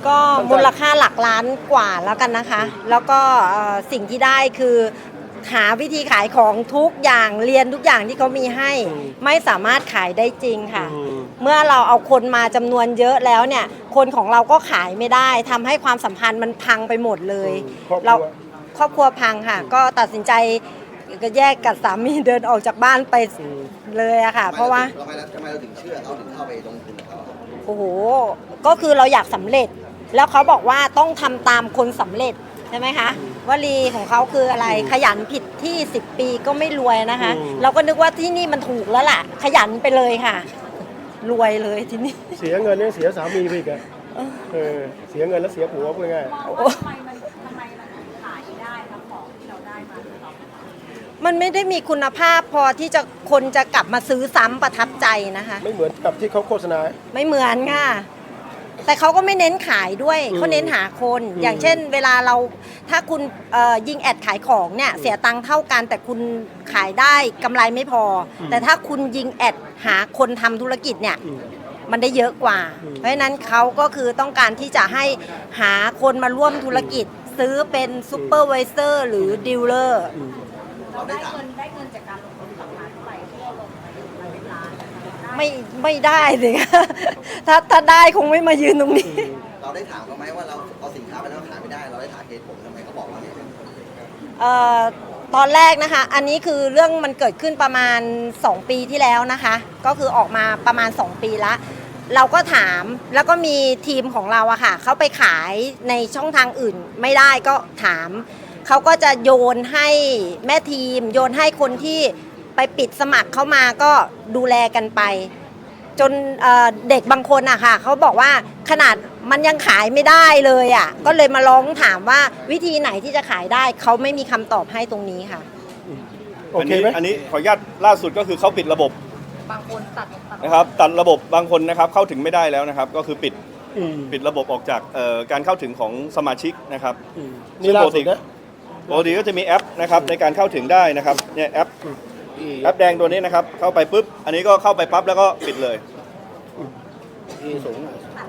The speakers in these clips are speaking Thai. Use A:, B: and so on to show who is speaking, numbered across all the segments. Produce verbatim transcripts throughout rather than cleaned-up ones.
A: ก็มูลค่าหลักล้านกว่าแล้วกันนะคะแล้วก็สิ่งที่ได้คือหาวิธีขายของทุกอย่างเรียนทุกอย่างที่เขามีให้ไม่สามารถขายได้จริงค่ะเมื่อเราเอาคนมาจำนวนเยอะแล้วเนี่ยคนของเราก็ขายไม่ได้ทำให้ความสัมพันธ์มันพังไปหมดเลยเราครอบครัวพังค่ะก็ตัดสินใจก็แยกกับสามีเดินออกจากบ้านไปเลยอะค่ะเพราะว่า
B: ทำไมทำไมเราถึงเชื่อเขาถึงเข้าไปลงทุนกับเขา
A: โอ้โหก็คือเราอยากสำเร็จแล้วเขาบอกว่าต้องทำตามคนสำเร็จใช่ไหมคะวลีของเขาคืออะไรขยันผิดที่สิบปีก็ไม่รวยนะคะเราก็นึกว่าที่นี่มันถูกแล้วล่ะขยันไปเลยค่ะรวยเลยที่นี่
C: เสียเงินเนี่ยเสียสามีไปอีกอะเออเสียเงินแล้วเสียผัวพูดง่าย
D: ทำไมมันทำไมมันขายได้ครับของที่เราได้มา
A: มันไม่ได้มีคุณภาพพอที่จะคนจะกลับมาซื้อซ้ำประทับใจนะคะ
C: ไม่เหมือนกับที่เขาโฆษณา
A: ไม่เหมือนค่ะแต่เขาก็ไม่เน้นขายด้วยเขาเน้นหาคนอย่างเช่นเวลาเราถ้าคุณยิงแอดขายของเนี่ยเสียตังค์เท่ากันแต่คุณขายได้กำไรไม่พอแต่ถ้าคุณยิงแอดหาคนทำธุรกิจเนี่ยมันได้เยอะกว่าเพราะฉะนั้นเขาก็คือต้องการที่จะให้หาคนมาร่วมธุรกิจซื้อเป็นซูเปอร์ไวเซอร์หรือดีลเลอร์
D: เราได้เงินได้เงินจากการลงทุนสองล้านไปที่เราลงไปมาเป็นล้าน
A: ไม่ไม่ได้เลยถ้าถ้าได้คงไม่มายืนตรงนี้
B: เราได้ถามเขาไหมว่าเราเอาสินค้าไปแล้วขายไม่ได้เราได้ถามเหตุผลทำไมเขาบอกว่าเนี่ย
A: เอ่อตอนแรกนะคะอันนี้คือเรื่องมันเกิดขึ้นประมาณสองปีที่แล้วนะคะก็คือออกมาประมาณสองปีละเราก็ถามแล้วก็มีทีมของเราอะค่ะเขาไปขายในช่องทางอื่นไม่ได้ก็ถามเขาก็จะโยนให้แม่ทีมโยนให้คนที่ไปปิดสมัครเข้ามาก็ดูแลกันไปจนเเด็กบางคนอะค่ะเขาบอกว่าขนาดมันยังขายไม่ได้เลยอะก็เลยมาร้องถามว่าวิธีไหนที่จะขายได้เขาไม่มีคำตอบให้ตรงนี้ค่ะ
C: โอเคไหม
E: อันนี้ขออนุญาตล่าสุดก็คือเขาปิดระบ
D: บบางคนตัด
E: นะครับตัดระบบบางคนนะครับเข้าถึงไม่ได้แล้วนะครับก็คือปิดปิดระบบออกจากการเข้าถึงของสมาชิกนะครับ
C: นี่ล่าสุดนะ
E: ปกติก็จะมีแอปนะครับในการเข้าถึงได้นะครับเนี่ยแอปแอปแดงตัวนี้นะครับเข้าไปปุ๊บอันนี้ก็เข้าไปปั๊บแล้วก็ปิดเลย
C: สูง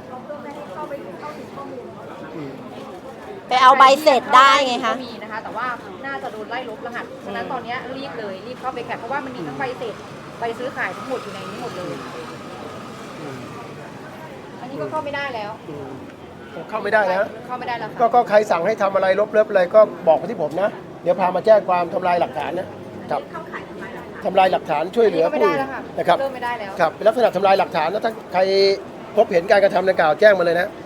A: ไปเอาใบเสร็จได้ไงคะ
D: มีนะคะแต่ว่าน่าจะโดนไล่ลบรหัสฉะนั้นตอนนี้รีบเลยรีบเข้าไปแคปเพราะว่ามันมีทั้งใบเสร็จใบซื้อขายทั้งหมดอยู่ในนี้หมดเลยอันนี้ก็เข้าไม่ได้แล้ว
C: เข้าไม่ได้นะ
D: เข้าไม่ได้แล้ว
C: ก็ใครสั่งให้ทำอะไรลบเลิบอะไรก็บอกมาที่ผมนะเดี๋ยวพามาแจ้งความทำลายหลักฐานนะครับทำลายหลักฐานช่วยเหลือผู้นะครับ
D: เริ่มไม่ได้แล้ว
C: ครับเป็นลักษณะทำลายหลักฐานแล้วถ้าใครพบเห็นการกระทำดังกล่าวแจ้งมาเลยนะ